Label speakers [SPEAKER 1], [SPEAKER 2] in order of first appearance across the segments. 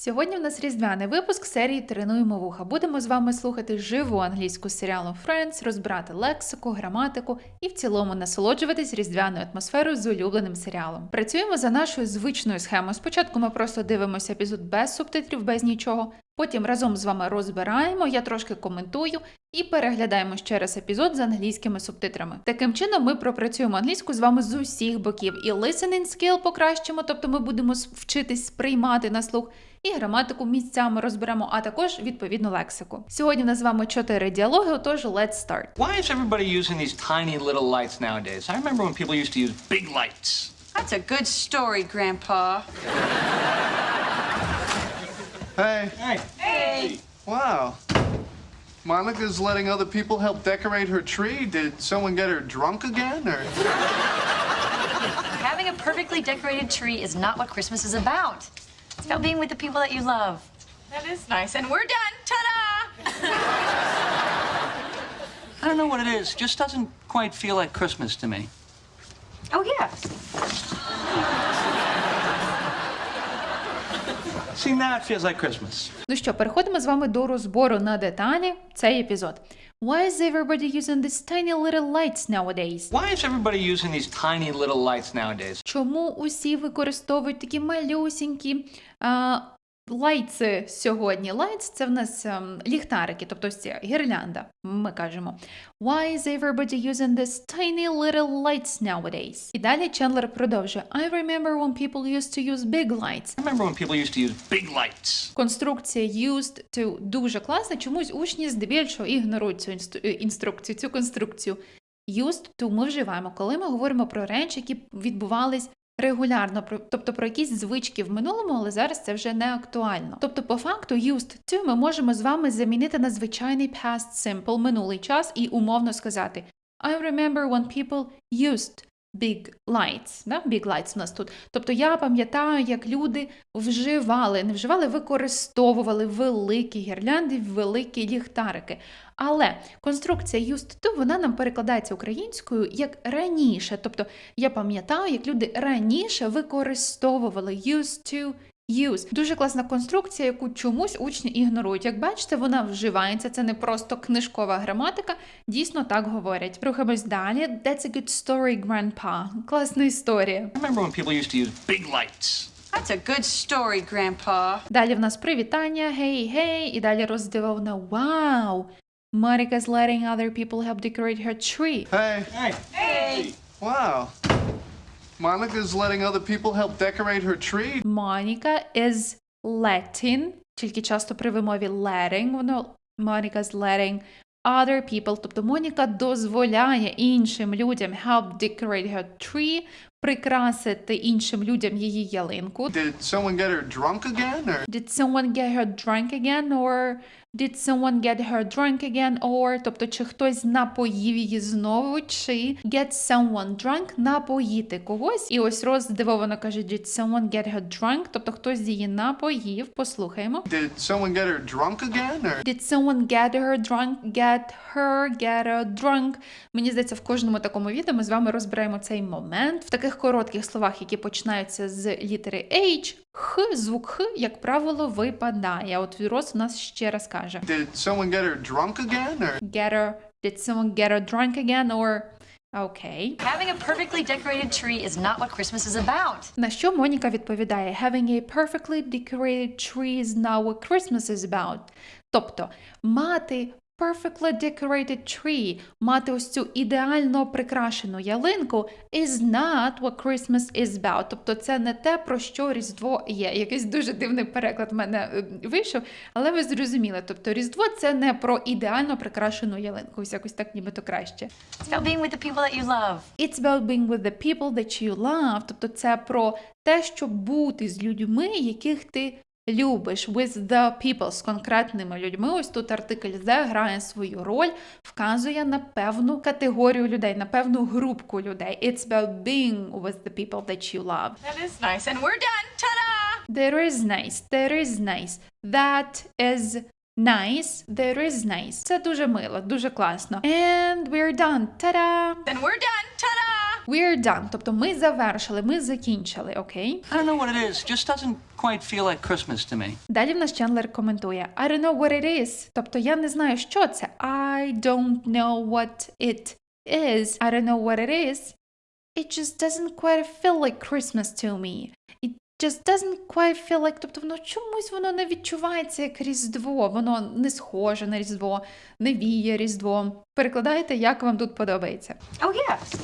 [SPEAKER 1] Сьогодні в нас різдвяний випуск серії «Тренуємо вуха». Будемо з вами слухати живу англійську з серіалу Friends, розбирати лексику, граматику і в цілому насолоджуватись різдвяною атмосферою з улюбленим серіалом. Працюємо за нашою звичною схемою. Спочатку ми просто дивимося епізод без субтитрів, без нічого. Потім разом з вами розбираємо, я трошки коментую і переглядаємо ще раз епізод з англійськими субтитрами. Таким чином ми пропрацюємо англійську з вами з усіх боків. І listening skill покращимо, тобто ми будемо вчитись сприймати на слух, і граматику місцями розберемо, а також відповідну лексику. Сьогодні в нас з вами 4 діалоги, отож let's start.
[SPEAKER 2] Why is everybody using these tiny little lights nowadays? I remember when people used to use big lights.
[SPEAKER 3] That's a good story, Grandpa.
[SPEAKER 4] Hey.
[SPEAKER 2] Hey.
[SPEAKER 3] Hey.
[SPEAKER 4] Wow. Monica's letting other people help decorate her tree. Did someone get her drunk again, or?
[SPEAKER 3] Having a perfectly decorated tree is not what Christmas is about. It's about being with the people that you love. That is nice. And we're done. Ta-da!
[SPEAKER 2] I don't know what it is. Just doesn't quite feel like Christmas to me.
[SPEAKER 3] Oh, yeah.
[SPEAKER 2] See, now it feels like Christmas.
[SPEAKER 1] Ну що, переходимо з вами до розбору на деталі цей епізод. Why is everybody using these tiny little lights nowadays?
[SPEAKER 2] Why is everybody using these tiny little lights nowadays?
[SPEAKER 1] Чому усі використовують такі малюсінькі лайтси сьогодні? Лайтс – це в нас ліхтарики, тобто ось ця гірлянда, ми кажемо. Why is everybody using these tiny little lights nowadays? І далі Чендлер продовжує. I remember when people used to use big lights.
[SPEAKER 2] I remember when people used to use big lights.
[SPEAKER 1] Конструкція used to дуже класна, чомусь учні здебільшого ігнорують цю інструкцію, цю конструкцію. Used to ми вживаємо, коли ми говоримо про речі, які відбувались регулярно, тобто про якісь звички в минулому, але зараз це вже не актуально. Тобто, по факту, used to ми можемо з вами замінити на звичайний past simple, минулий час, і умовно сказати I remember when people used big lights. Да? Big lights у нас тут. Тобто, я пам'ятаю, як люди використовували великі гірлянди, великі ліхтарики. Але конструкція used to, вона нам перекладається українською як раніше. Тобто, я пам'ятаю, як люди раніше використовували used to use. Дуже класна конструкція, яку чомусь учні ігнорують. Як бачите, вона вживається, це не просто книжкова граматика, дійсно так говорять. Рухаємось далі. That's a good story, Grandpa. Класна історія.
[SPEAKER 2] I remember when people used to use big lights.
[SPEAKER 3] That's a good story, Grandpa.
[SPEAKER 1] Далі в нас привітання, hey, і далі роздивована, wow. Monica's letting other people help decorate her tree.
[SPEAKER 4] Hey.
[SPEAKER 2] Hey.
[SPEAKER 3] Hey.
[SPEAKER 4] Wow. Monica's letting other people help decorate her tree.
[SPEAKER 1] Monica is letting, тільки часто при вимові letting, воно Monica's letting other people, тобто Моніка дозволяє іншим людям help decorate her tree, прикрасити іншим людям її ялинку.
[SPEAKER 4] Did someone get her drunk again, or?
[SPEAKER 1] Did someone get her drunk again, or did someone get her drunk again, or, тобто, чи хтось напоїв її знову, чи get someone drunk, напоїти когось. І ось Роз здивовано каже, did someone get her drunk, тобто хтось її напоїв. Послухаємо.
[SPEAKER 4] Did someone get her drunk again, or?
[SPEAKER 1] Did someone get her drunk, get her drunk. Мені здається, в кожному такому відео ми з вами розбираємо цей момент. В таких коротких словах, які починаються з літери H, звук Х, як правило, випадає. От Роз у нас ще раз каже.
[SPEAKER 4] Did someone get her drunk again, or?
[SPEAKER 1] Did someone get her drunk again, or... Окей.
[SPEAKER 3] Having a perfectly decorated tree is not what Christmas is about.
[SPEAKER 1] На що Моніка відповідає Having a perfectly decorated tree is not what Christmas is about. Тобто, мати perfectly decorated tree, мати ось цю ідеально прикрашену ялинку is not what Christmas is about. Тобто це не те, про що Різдво є. Якийсь дуже дивний переклад в мене вийшов, але ви зрозуміли. Тобто Різдво – це не про ідеально прикрашену ялинку. Ось якось так нібито краще.
[SPEAKER 3] It's about being with the people that you love.
[SPEAKER 1] It's about being with the people that you love. Тобто це про те, щоб бути з людьми, яких ти любиш, with the people, з конкретними людьми. Ось тут артикль the грає свою роль, вказує на певну категорію людей, на певну групку людей. It's about being with the people that you love.
[SPEAKER 3] That is nice. And we're done. Ta-da!
[SPEAKER 1] There is nice, there is nice. That is nice, there is nice. Це дуже мило, дуже класно. And we're done. Та-да!
[SPEAKER 3] And we're done. Ta-da!
[SPEAKER 1] We're done, тобто ми завершили, ми закінчили, окей?
[SPEAKER 2] I don't know what it is. Just doesn't quite feel like Christmas to me.
[SPEAKER 1] Далі в нас Чендлер коментує I don't know what it is, тобто я не знаю, що це. I don't know what it is. I don't know what it is. It just doesn't quite feel like Christmas to me. It just doesn't quite feel like, тобто чомусь воно не відчувається як Різдво, воно не схоже на Різдво, не віє Різдвом. Перекладайте, як вам тут подобається.
[SPEAKER 3] Oh, yes.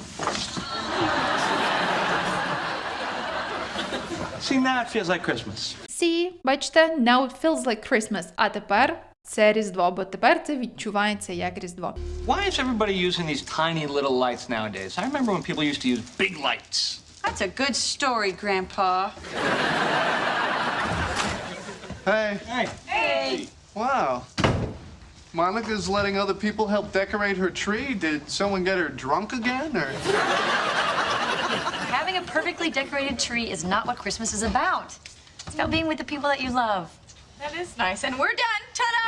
[SPEAKER 2] See, now it feels like Christmas.
[SPEAKER 1] See, бачите, now it feels like Christmas. А тепер це Різдво, бо тепер це відчувається як Різдво.
[SPEAKER 2] Why is everybody using these tiny little lights nowadays? I remember when people used to use big lights.
[SPEAKER 3] That's a good story, Grandpa.
[SPEAKER 4] Hey,
[SPEAKER 2] Hey.
[SPEAKER 3] Hey.
[SPEAKER 4] wow. Monica's letting other people help decorate her tree. Did someone get her drunk again, or?
[SPEAKER 3] Having a perfectly decorated tree is not what Christmas is about. It's about being with the people that you love. That is nice. And we're done. Ta-da!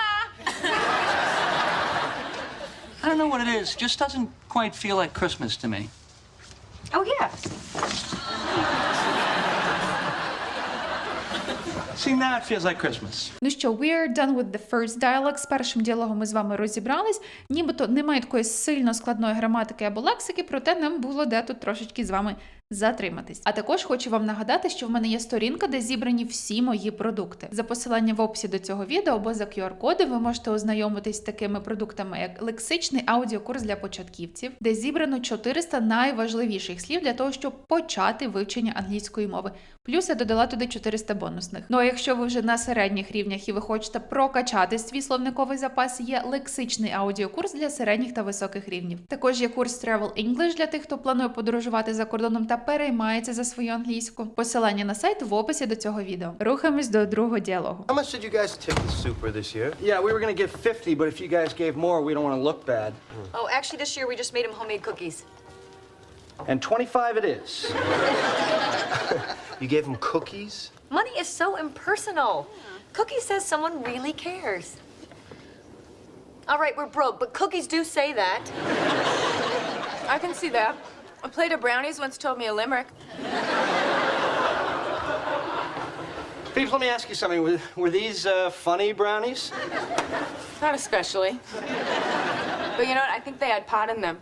[SPEAKER 2] I don't know what it is. Just doesn't quite feel like Christmas to me.
[SPEAKER 3] Oh, yes.
[SPEAKER 2] See, now it feels like Christmas.
[SPEAKER 1] Ну що, we're done with the first dialogue. З першим діалогом ми з вами розібрались. Нібито немає такої сильно складної граматики або лексики, проте нам було де тут трошечки з вами затриматись. А також хочу вам нагадати, що в мене є сторінка, де зібрані всі мої продукти. За посиланням в описі до цього відео або за QR-кодом ви можете ознайомитись з такими продуктами, як лексичний аудіокурс для початківців, де зібрано 400 найважливіших слів для того, щоб почати вивчення англійської мови. Плюс я додала туди 400 бонусних. Ну а якщо ви вже на середніх рівнях і ви хочете прокачати свій словниковий запас, є лексичний аудіокурс для середніх та високих рівнів. Також є курс Travel English для тих, хто планує подорожувати за кордоном та переймається за свою англійську. Посилання на сайт в описі до цього відео. Рухаємось до другого діалогу.
[SPEAKER 5] How much did you guys tip the super this year?
[SPEAKER 6] Yeah, we were gonna give 50, but if you guys gave more, we don't want to look bad.
[SPEAKER 7] Oh, actually, this year we just made him homemade cookies.
[SPEAKER 6] And 25 it is.
[SPEAKER 5] You gave them cookies?
[SPEAKER 7] Money is so impersonal. Cookies says someone really cares. All right, we're broke, but cookies do say that.
[SPEAKER 8] I can see that. A plate of brownies once told me a limerick.
[SPEAKER 6] Phoebes, let me ask you something. Were these funny brownies?
[SPEAKER 8] Not especially. But you know what? I think they had pot in them.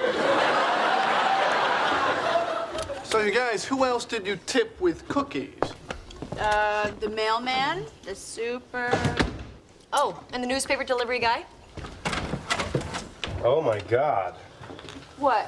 [SPEAKER 4] So you guys, who else did you tip with cookies?
[SPEAKER 7] The mailman, the super... Oh, and the newspaper delivery guy?
[SPEAKER 5] Oh my God.
[SPEAKER 8] What?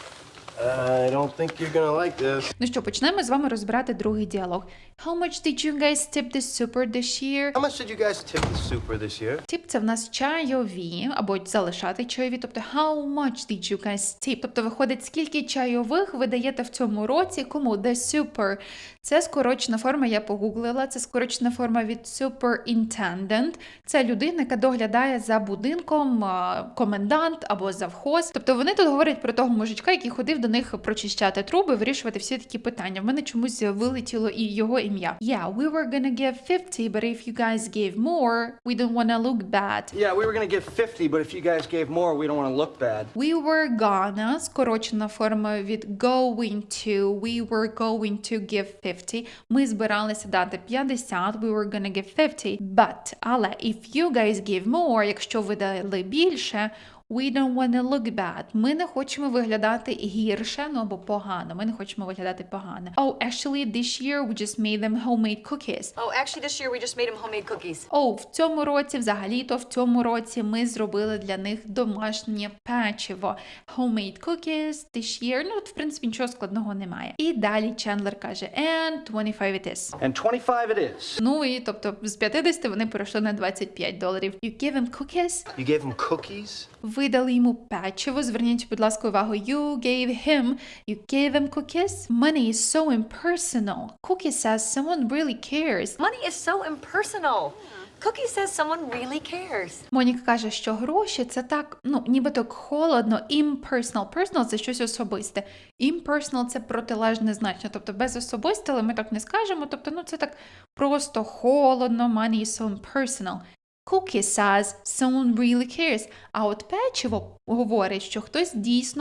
[SPEAKER 5] I don't think you're gonna like this.
[SPEAKER 1] Ну що, почнемо з вами розбирати другий діалог. How much did you guys tip the super this year?
[SPEAKER 5] How much did you guys tip the super this year?
[SPEAKER 1] Тип – це в нас чайові, або залишати чайові, тобто how much did you guys tip? Тобто виходить, скільки чайових ви даєте в цьому році, кому? The super. Це скорочена форма, я погуглила, це скорочена форма від superintendent. Це людина, яка доглядає за будинком, комендант або завхоз. Тобто вони тут говорять про того мужичка, який ходив до них прочищати труби, вирішувати всі такі питання. В мене чомусь вилетіло і його ім'я. Yeah, we were gonna give 50, but if you guys gave more, we don't wanna look bad.
[SPEAKER 6] Yeah, we were gonna give 50, but if you guys gave more, we don't want to look bad.
[SPEAKER 1] We were gonna, скорочена форма від going to, we were going to give 50. Ми збиралися дати 50, we were gonna give 50. But, але, if you guys give more, якщо ви дали більше, we don't wanna look bad. Ми не хочемо виглядати гірше, ну або погано. Ми не хочемо виглядати погано. Oh, actually, this year we just made them homemade cookies.
[SPEAKER 7] Oh, actually, this year we just made him homemade cookies.
[SPEAKER 1] В цьому році, взагалі-то в цьому році ми зробили для них домашнє печиво. Homemade cookies this year. Ну, от, в принципі, нічого складного немає. І далі Чендлер каже, and 25 it is.
[SPEAKER 6] And 25 it is.
[SPEAKER 1] Ну і, тобто, з 50 вони перейшли на $25. You give him cookies?
[SPEAKER 5] You gave them cookies?
[SPEAKER 1] Ви дали йому печиво. Зверніть, будь ласка, увагу. You gave him cookies? Money is so impersonal. Cookie says someone really cares.
[SPEAKER 7] Money is so impersonal. Cookie says someone really cares.
[SPEAKER 1] Моніка каже, що гроші – це так, ну, ніби так холодно. Impersonal. Personal – це щось особисте. Impersonal – це протилежне значення. Тобто без особисте, але ми так не скажемо. Тобто, ну, це так просто холодно. Money is so impersonal. Cookie says someone really cares. А от печиво говорить, що хтось дійсно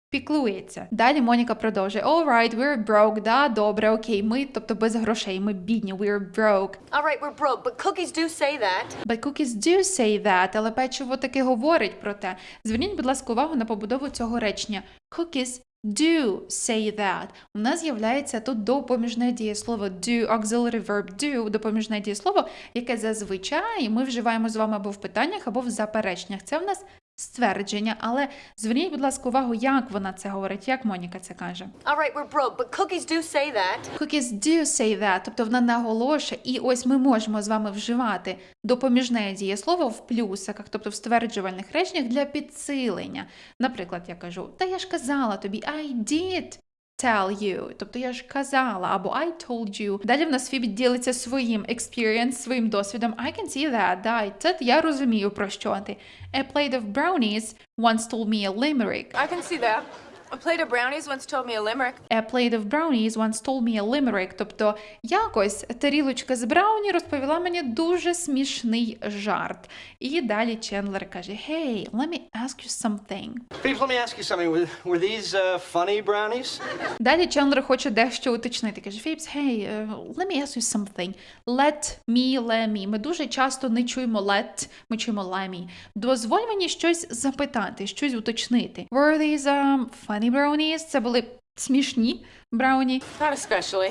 [SPEAKER 1] піклується. Далі Моніка продовжує. All right, we're broke. Да, добре, окей. Ми, тобто без грошей, ми бідні. We're broke.
[SPEAKER 7] All right, we're broke, but cookies do say that.
[SPEAKER 1] But cookies do say that. Але печиво таки говорить про те. Зверніть, будь ласка, увагу на побудову цього речення. Cookies do say that. У нас з'являється тут допоміжне дієслово do, auxiliary verb do, допоміжне дієслово, яке зазвичай ми вживаємо з вами або в питаннях, або в запереченнях. Це в нас ствердження, але зверніть, будь ласка, увагу, як вона це говорить, як Моніка це каже.
[SPEAKER 7] All right, we're broke, but cookies do say that.
[SPEAKER 1] Cookies do say that, тобто вона наголошує, і ось ми можемо з вами вживати допоміжне дієслово в плюсиках, тобто в стверджувальних реченнях для підсилення. Наприклад, я кажу, та я ж казала тобі, I did tell you, тобто я ж казала, або I told you. Далі в нас Фібі ділиться своїм experience, своїм досвідом. I can see that, да, це я розумію, про що ти. A plate of brownies once told me a limerick.
[SPEAKER 8] I can see that. A plate of brownies once told me a limerick.
[SPEAKER 1] A plate of brownies once told me a limerick. Тобто якось тарілочка з брауні розповіла мені дуже смішний жарт. І далі Чендлер каже, Hey, let me ask you something.
[SPEAKER 6] Phoebes, let me ask you something. Were these funny brownies?
[SPEAKER 1] Далі Чендлер хоче дещо уточнити. Каже, Фібс, hey, let me ask you something. Let me. Ми дуже часто не чуємо let, ми чуємо let me. Дозволь мені щось запитати, щось уточнити. Were these funny brownies? Це були смішні брауні.
[SPEAKER 8] Not especially.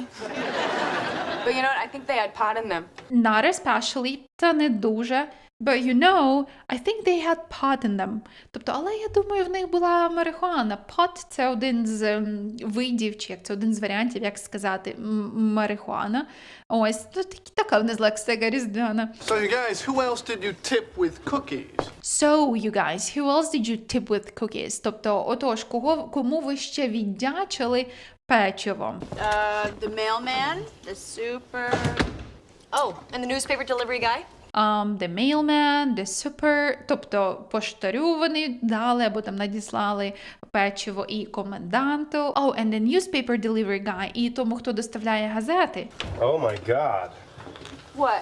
[SPEAKER 8] But you know what? I think they had pot in them.
[SPEAKER 1] Not especially, та не дуже. But you know, I think they had pot in them. Тобто, але я думаю, в них була марихуана. Pot – це один з видів, чи як це один з варіантів, як сказати, марихуана. Ось, така в нас лексика різдвяна.
[SPEAKER 4] So, you guys, who else did you tip with cookies?
[SPEAKER 1] So, you guys, who else did you tip with cookies? Тобто, отож, кому ви ще віддячили печивом?
[SPEAKER 9] The mailman, the super.
[SPEAKER 7] Oh, and the newspaper delivery guy?
[SPEAKER 1] The mailman, the super, тобто поштарю вони дали або там надіслали печиво і коменданту. Oh, and the newspaper delivery guy, і тому, хто доставляє газети.
[SPEAKER 5] Oh my God.
[SPEAKER 8] What?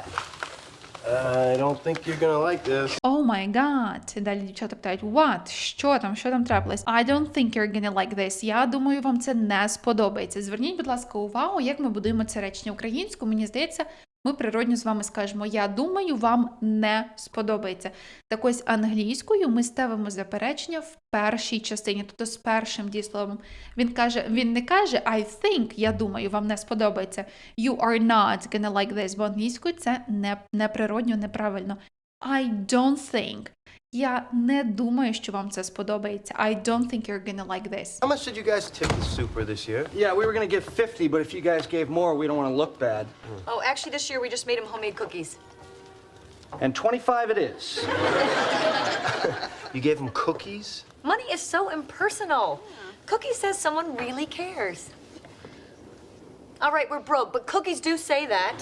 [SPEAKER 5] I don't think you're gonna like this.
[SPEAKER 1] Oh my god. Далі дівчата питають, what? Що там трапилось? I don't think you're gonna like this. Я думаю, вам це не сподобається. Зверніть, будь ласка, увагу, як ми будуємо це речення українською. Мені здається, ми природньо з вами скажемо, я думаю, вам не сподобається. Так ось англійською ми ставимо заперечення в першій частині, тобто з першим дієсловом. Він не каже I think, я думаю, вам не сподобається. You are not gonna like this, бо англійською це неприродньо, неправильно. I don't think. Я не думаю, що вам це сподобається. I don't think you're gonna like this.
[SPEAKER 5] How much did you guys tip the super this year?
[SPEAKER 6] Yeah, we were gonna give 50, but if you guys gave more, we don't want to look bad.
[SPEAKER 7] Oh, actually, this year we just made him homemade cookies.
[SPEAKER 6] And 25 it is.
[SPEAKER 5] You gave them cookies?
[SPEAKER 7] Money is so impersonal. Cookie says someone really cares. All right, we're broke, but cookies do say that.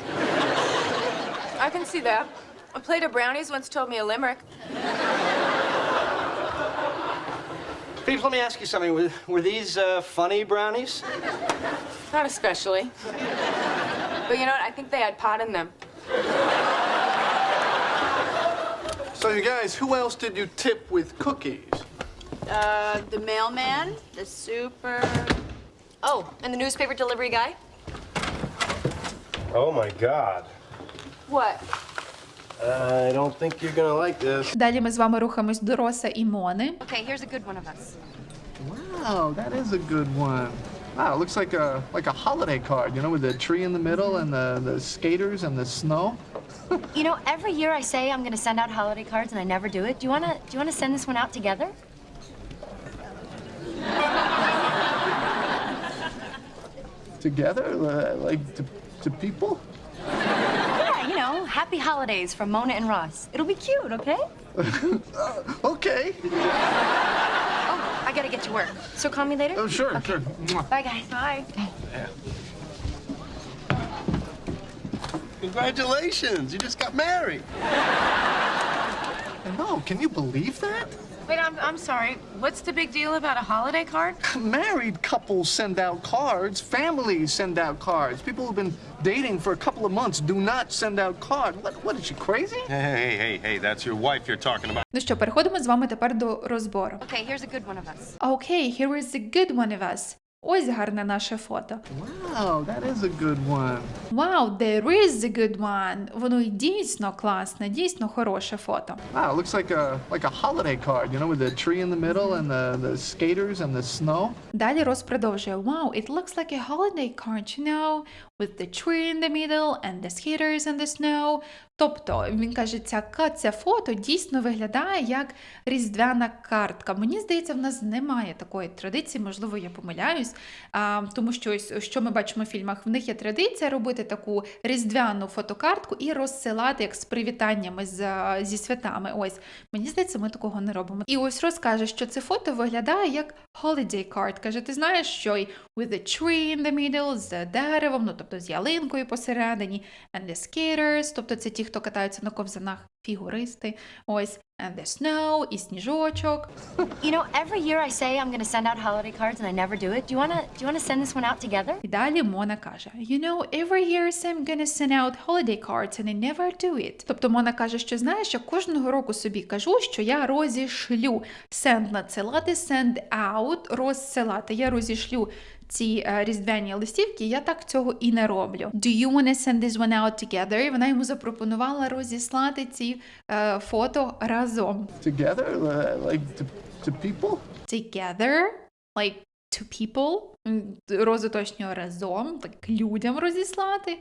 [SPEAKER 8] I can see that. A plate of brownies once told me a limerick.
[SPEAKER 6] Phoebes, let me ask you something. Were these funny brownies?
[SPEAKER 8] Not especially. But you know what? I think they had pot in them.
[SPEAKER 4] So, you guys, who else did you tip with cookies?
[SPEAKER 9] The mailman, the super.
[SPEAKER 7] Oh, and the newspaper delivery guy?
[SPEAKER 5] Oh my God.
[SPEAKER 8] What?
[SPEAKER 5] I don't think you're gonna like this.
[SPEAKER 1] Далі ми з вами рухаємось до Роса і Мони.
[SPEAKER 3] Okay, here's a good one of us.
[SPEAKER 4] Wow, that is a good one. Wow, it looks like a holiday card, you know, with the tree in the middle and the skaters and the snow.
[SPEAKER 3] You know, every year I say I'm going to send out holiday cards and I never do it. Do you want to send this one out together?
[SPEAKER 4] Together, like to people?
[SPEAKER 3] Yeah, you know, happy holidays from Mona and Ross. It'll be cute, okay?
[SPEAKER 4] Okay.
[SPEAKER 3] Oh, I got to get to work. So call me later?
[SPEAKER 4] Oh, sure,
[SPEAKER 3] Okay.
[SPEAKER 4] sure. Mwah.
[SPEAKER 3] Bye, guys. Bye.
[SPEAKER 5] Congratulations, you just got married.
[SPEAKER 4] No, can you believe that?
[SPEAKER 8] Wait, I'm sorry. What's the big deal about a holiday card?
[SPEAKER 4] Married couples send out cards. Families send out cards. People who've been dating for a couple of months do not send out cards. What is she, crazy?
[SPEAKER 5] Hey, that's your wife you're talking about.
[SPEAKER 1] Ну що, переходимо з вами тепер до розбору.
[SPEAKER 3] Okay, here's a good one of us.
[SPEAKER 1] Okay, here is a good one of us. Ось гарне наше фото.
[SPEAKER 4] Wow, that is a good one.
[SPEAKER 1] Wow, there is a good one. Воно і дійсно класне, дійсно хороше фото.
[SPEAKER 4] Wow, it looks like a holiday card, you know, with the tree in the middle and the skaters and the snow.
[SPEAKER 1] Далі Рос продовжує. Wow, it looks like a holiday card, you know, with the tree in the middle and the skaters and the snow. Тобто, він каже, це фото дійсно виглядає як різдвяна картка. Мені здається, в нас немає такої традиції, можливо, я помиляюсь, тому що ось, що ми бачимо в фільмах, в них є традиція робити таку різдвяну фотокартку і розсилати як з привітаннями зі святами. Ось, мені здається, ми такого не робимо. І ось Рос каже, що це фото виглядає як holiday card. Каже, ти знаєш, що й with the tree in the middle, з деревом, ну, тобто з ялинкою посередині, and the skaters, тобто це ті, хто катаються на ковзанах, фігуристи, ось, and the snow, і сніжочок.
[SPEAKER 3] You know, every year I say I'm going to send out holiday cards and I never do it. Do you want to send this one out together?
[SPEAKER 1] І далі Мона каже, you know, every year I'm gonna send out holiday cards and I never do it. Тобто Мона каже, що знаєш, я кожного року собі кажу, що я розішлю. Send надсилати, send out розсилати. Я розішлю ці різдвяні листівки, я так цього і не роблю. Do you want to send this one out together? І вона йому запропонувала розіслати ці фото разом.
[SPEAKER 4] Together, like to people?
[SPEAKER 1] Together, like to people. Розуточнього разом, так людям розіслати.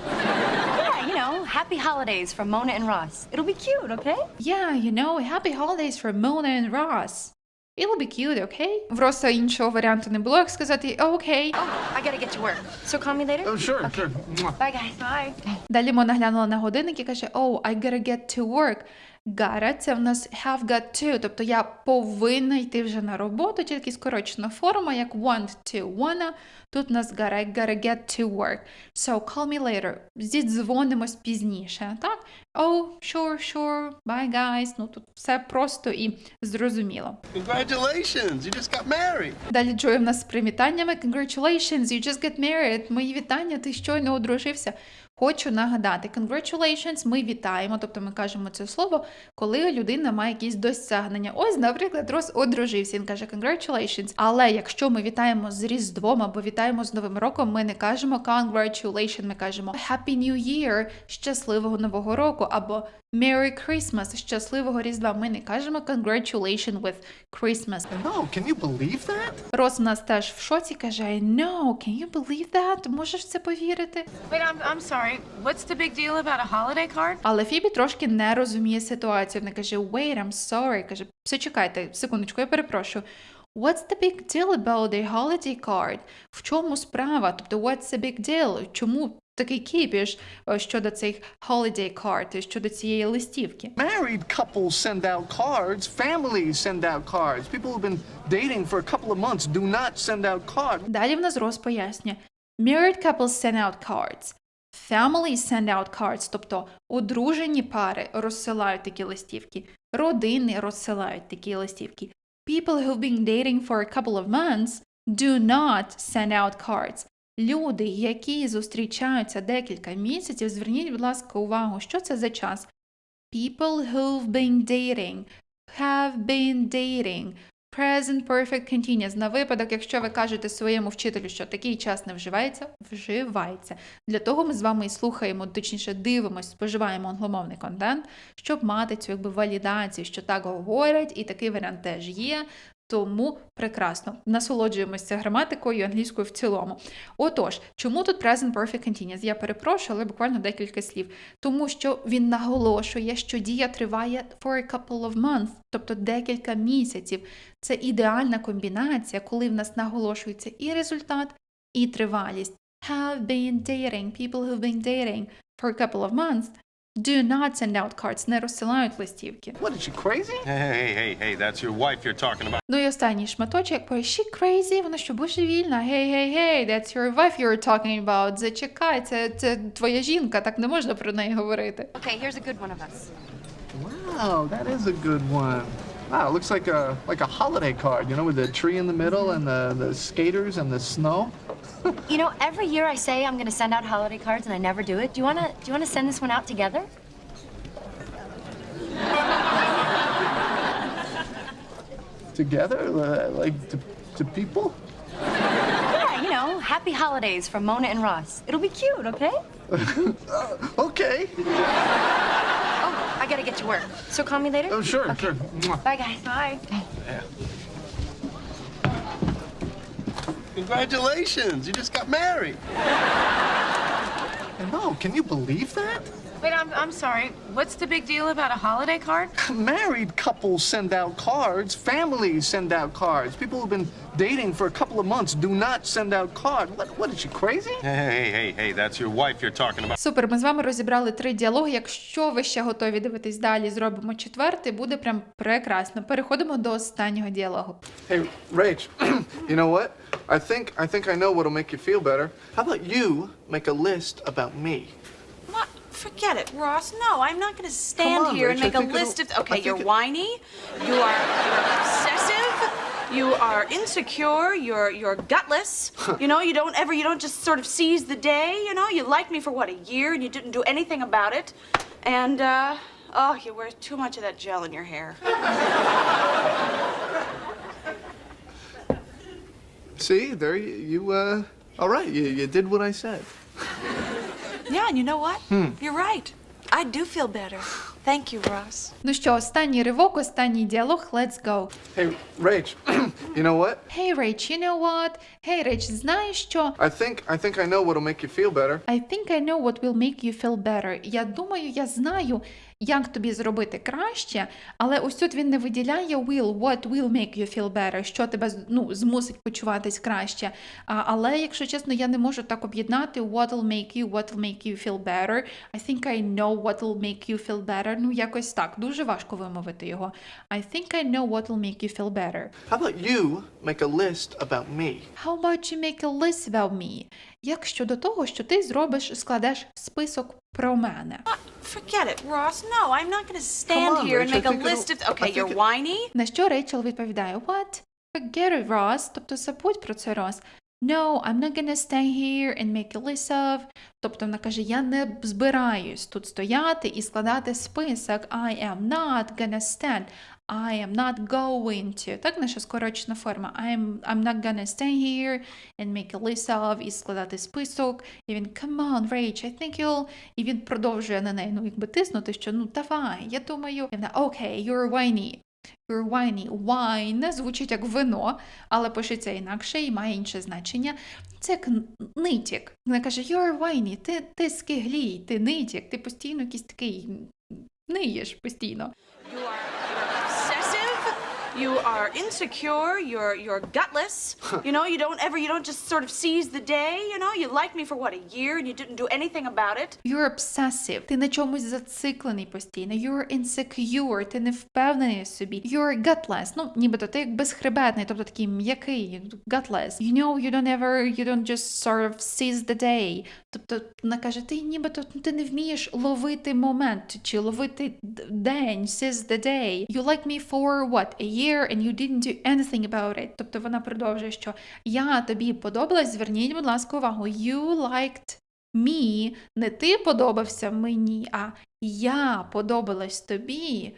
[SPEAKER 3] Yeah, you know, happy holidays from Mona and Ross. It'll be cute, okay?
[SPEAKER 1] Yeah, you know, happy holidays from Mona and Ross. It'll be cute, okay? Просто іншого варіанту не було, як сказати окей.
[SPEAKER 3] Oh, I gotta get to work. So call me later?
[SPEAKER 4] Oh, sure, sure. Mwah.
[SPEAKER 3] Bye, guys. Bye.
[SPEAKER 1] Далі Мона глянула на годинник і каже, oh, I gotta get to work. Gotta – це в нас have got to, тобто я повинна йти вже на роботу, тільки скорочена форма, як want to, wanna. Тут у нас gotta, I gotta get to work. So, call me later. Зідзвонимось пізніше, так? Oh, sure, bye, guys. Ну, тут все просто і зрозуміло.
[SPEAKER 5] Congratulations, you just got married.
[SPEAKER 1] Далі Джой в нас з привітаннями. Congratulations, you just got married. Мої вітання, ти щойно одружився. Хочу нагадати, congratulations, ми вітаємо, тобто ми кажемо це слово, коли людина має якісь досягнення. Ось, наприклад, Рос одружився, він каже congratulations. Але якщо ми вітаємо з Різдвом або вітаємо з Новим роком, ми не кажемо congratulations, ми кажемо Happy New Year, щасливого Нового року, або Merry Christmas, щасливого Різдва. Ми не кажемо congratulations with Christmas.
[SPEAKER 4] No, can you believe that?
[SPEAKER 1] Рос у нас теж в шоці, каже I know, can you believe that? Можеш в це повірити?
[SPEAKER 8] Wait, I'm sorry. What's the big deal about a holiday card?
[SPEAKER 1] Але Фібі трошки не розуміє ситуацію. Вона каже, wait, I'm sorry. Каже, все, чекайте, секундочку, я перепрошую. What's the big deal about a holiday card? В чому справа? Тобто, what's the big deal? Чому такий кіпіш щодо цих holiday card, щодо цієї листівки?
[SPEAKER 4] Married couples send out cards. Families send out cards. People who've been dating for a couple of months do not send out cards.
[SPEAKER 1] Далі в нас Рос пояснює. Married couples send out cards. Families send out cards, тобто одружені пари розсилають такі листівки, родини розсилають такі листівки. People who've been dating for a couple of months do not send out cards. Люди, які зустрічаються декілька місяців, зверніть, будь ласка, увагу, що це за час. People who've been dating, have been dating. Present Perfect Continuous. На випадок, якщо ви кажете своєму вчителю, що такий час не вживається, вживається. Для того ми з вами і слухаємо, точніше дивимося, споживаємо англомовний контент, щоб мати цю якби валідацію, що так говорять, і такий варіант теж є. Тому прекрасно. Насолоджуємося граматикою і англійською в цілому. Отож, чому тут Present Perfect Continuous? Я перепрошую, але буквально декілька слів. Тому що він наголошує, що дія триває for a couple of months, тобто декілька місяців. Це ідеальна комбінація, коли в нас наголошується і результат, і тривалість. Have been dating, people who've been dating for a couple of months do not send out cards, не розсилають листівки.
[SPEAKER 4] What, is she crazy?
[SPEAKER 5] Hey, that's your wife you're talking about.
[SPEAKER 1] Ну і останній шматочок, is she crazy? Вона що, божевільна? Hey, that's your wife you're talking about. Зачекай, це твоя жінка, так не можна про неї говорити.
[SPEAKER 3] Okay, here's a good one of us.
[SPEAKER 4] Wow, that is a good one. Wow, it looks like a holiday card, you know, with the tree in the middle and the skaters and the snow.
[SPEAKER 3] You know, every year I say I'm gonna send out holiday cards and I never do it. Do you wanna send this one out together?
[SPEAKER 4] Together, like to people.
[SPEAKER 3] Yeah, you know, happy holidays from Mona and Ross. It'll be cute, okay?
[SPEAKER 4] Okay.
[SPEAKER 3] Oh, I gotta get to work. So call me later?
[SPEAKER 4] Oh, sure,
[SPEAKER 3] Okay.
[SPEAKER 4] sure. Mwah.
[SPEAKER 3] Bye, guys. Bye.
[SPEAKER 5] Congratulations, you just got married.
[SPEAKER 4] No, can you believe that?
[SPEAKER 8] Wait, I'm sorry. What's the big deal about a holiday card?
[SPEAKER 4] Married couples send out cards. Families send out cards. People who've been dating for a couple of months do not send out cards. What is she, crazy?
[SPEAKER 5] Hey, that's your wife you're talking about.
[SPEAKER 1] Супер, ми з вами розібрали 3 діалоги. Якщо ви ще готові дивитись далі, зробимо 4-й, буде прям прекрасно. Переходимо до останнього діалогу.
[SPEAKER 4] Hey, Rach, you know what? I think I know what'll make you feel better. How about you make a list about me?
[SPEAKER 9] What? Forget it, Ross. No, I'm not going to stand
[SPEAKER 4] Come on,
[SPEAKER 9] here and
[SPEAKER 4] Rach, I
[SPEAKER 9] make a
[SPEAKER 4] think
[SPEAKER 9] list
[SPEAKER 4] it'll-
[SPEAKER 9] of. Okay,
[SPEAKER 4] I think
[SPEAKER 9] you're
[SPEAKER 4] it-
[SPEAKER 9] whiny. You're obsessive. You are insecure. You're gutless. You know, you don't just sort of seize the day. You know, you liked me for what, a year, and you didn't do anything about it. And oh, you wear too much of that gel in your hair.
[SPEAKER 4] See, there you all right, you did what I said.
[SPEAKER 9] Yeah, and you know what? You're right. I do feel better. Thank you, Ross.
[SPEAKER 1] Ну що, останній ривок, останній діалог, let's go.
[SPEAKER 4] Hey, Rach, you know what?
[SPEAKER 1] Hey, Rach, you know what? Hey, Rach, знаєш що?
[SPEAKER 4] I think I know what'll make you feel better.
[SPEAKER 1] I think I know what will make you feel better. Я думаю, я знаю, як тобі зробити краще, але ось тут він не виділяє will, what will make you feel better, що тебе змусить почуватись краще. Але, якщо чесно, я не можу так об'єднати what will make you feel better. I think I know what will make you feel better. Ну, якось так. Дуже важко вимовити його. I think I know what will make you feel better.
[SPEAKER 4] How about you make a list about me?
[SPEAKER 1] How about you make a list about me? Як щодо того, що ти складеш список про мене?
[SPEAKER 9] Forget it, Ross. No, I'm not going to stand
[SPEAKER 4] Come on,
[SPEAKER 9] here and
[SPEAKER 4] Rach, I
[SPEAKER 9] make a
[SPEAKER 4] think
[SPEAKER 9] list
[SPEAKER 4] it'll-
[SPEAKER 9] of. Okay,
[SPEAKER 4] I think
[SPEAKER 9] you're
[SPEAKER 4] it-
[SPEAKER 9] whiny.
[SPEAKER 1] На що Рейчел відповідає What? Forget it, Ross. Тобто забудь про це, Рос. No, I'm not gonna stay here and make a list of. Тобто вона каже, я не збираюсь тут стояти і складати список. I am not gonna stand. I am not going to. Так, наша скорочена форма. I'm not gonna stay here and make a list of. І складати список. І він, come on, Rach, I think you'll... І він продовжує на неї, тиснути, що, давай, я думаю. І вона, okay, you're whiny. You're whiny. Wine звучить як вино, але пишеться інакше і має інше значення. Це як нитік. Вона каже, you're whiny, ти скиглій, ти нитік, ти постійно якийсь такий ниєш постійно.
[SPEAKER 9] You're obsessive. You are insecure. You're gutless. You know, you don't just sort of seize the day. You know, you liked me for what, a year, and you didn't do anything about it.
[SPEAKER 1] You're obsessive. Ти на чомусь зациклений постійно. You're insecure. Ти не впевнений в собі. You're gutless. Нібито ти як безхребетний, тобто такий м'який, gutless. You know, you don't just sort of seize the day. Тобто вона каже, ти нібито ти не вмієш ловити момент, чи ловити день, seize the day. You like me for what? A year and you didn't do anything about it. Тобто вона продовжує, що я тобі подобалась, зверніть, будь ласка, увагу. You liked me. Не ти подобався мені, а я подобалась тобі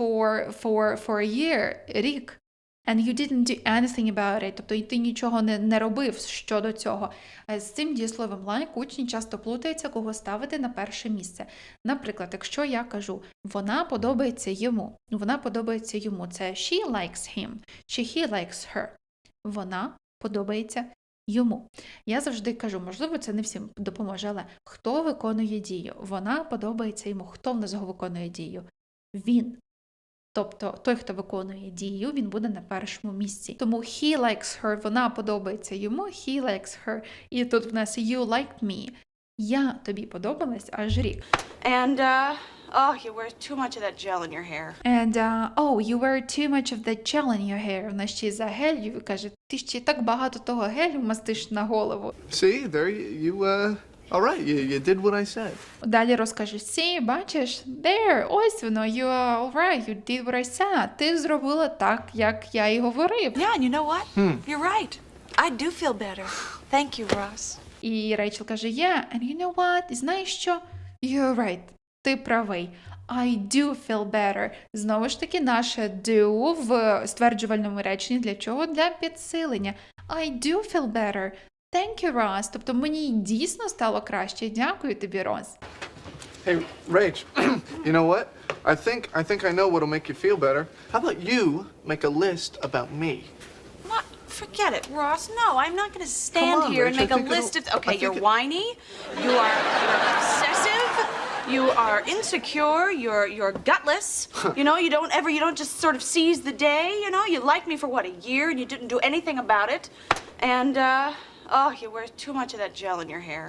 [SPEAKER 1] for a year, рік. And you didn't do anything about it. Тобто ти нічого не робив щодо цього. З цим дієсловом like учні часто плутаються, кого ставити на перше місце. Наприклад, якщо я кажу, вона подобається йому. Вона подобається йому. Це she likes him. Чи he likes her. Вона подобається йому. Я завжди кажу, можливо, це не всім допоможе, але хто виконує дію? Вона подобається йому. Хто в нас виконує дію? Він. Тобто той, хто виконує дію, він буде на першому місці. Тому he likes her, вона подобається йому, he likes her. І тут в нас you liked me. Я тобі подобалась аж рік.
[SPEAKER 9] And oh, you wear too much of that gel in your hair.
[SPEAKER 1] And you wear too much of the gel in your hair. Вона ще й за гелью каже, ти ще так багато того гелю мастиш на голову.
[SPEAKER 4] See, there you All right, you did what I said.
[SPEAKER 1] Далі розкаже, see, бачиш, there, ось воно, you are all right, you did what I said. Ти зробила так, як я і говорив.
[SPEAKER 9] Yeah, and you know what? You're right. I do feel better. Thank you, Ross.
[SPEAKER 1] І Рейчел каже, yeah, and you know what? І знаєш що? You're right. Ти правий. I do feel better. Знову ж таки, наше do в стверджувальному реченні для чого? Для підсилення. I do feel better. Thank you, Ross. Тобто мені дійсно стало краще. Дякую тобі, Рос.
[SPEAKER 4] Hey, Rach, you know what? I think I know what'll make you feel better. How about you make a list about me?
[SPEAKER 9] What? Forget it, Ross. No, I'm not going to stand
[SPEAKER 4] on,
[SPEAKER 9] here and
[SPEAKER 4] Rach, I
[SPEAKER 9] make a
[SPEAKER 4] think
[SPEAKER 9] list of.
[SPEAKER 4] it'll- I
[SPEAKER 9] Okay,
[SPEAKER 4] think
[SPEAKER 9] you're
[SPEAKER 4] it-
[SPEAKER 9] whiny. You're obsessive. You are insecure. You're gutless. You know, you don't just sort of seize the day. You know, you liked me for what, a year, and you didn't do anything about it. And oh, you wear too much of that gel in your hair.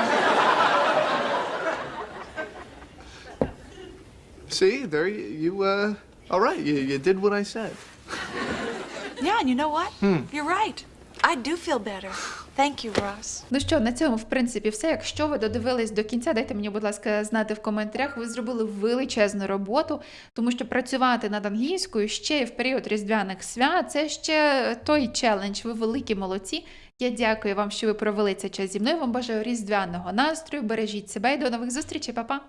[SPEAKER 4] See, there you all right, you did what I said.
[SPEAKER 9] Yeah, and you know what? You're right. I do feel better. Thank you, Ross.
[SPEAKER 1] Ну що, на цьому, в принципі, все. Якщо ви додивились до кінця, дайте мені, будь ласка, знати в коментарях. Ви зробили величезну роботу, тому що працювати над англійською ще й в період різдвяних свят – це ще той челендж. Ви великі молодці. Я дякую вам, що ви провели цей час зі мною. Вам бажаю різдвяного настрою. Бережіть себе і до нових зустрічей. Па-па!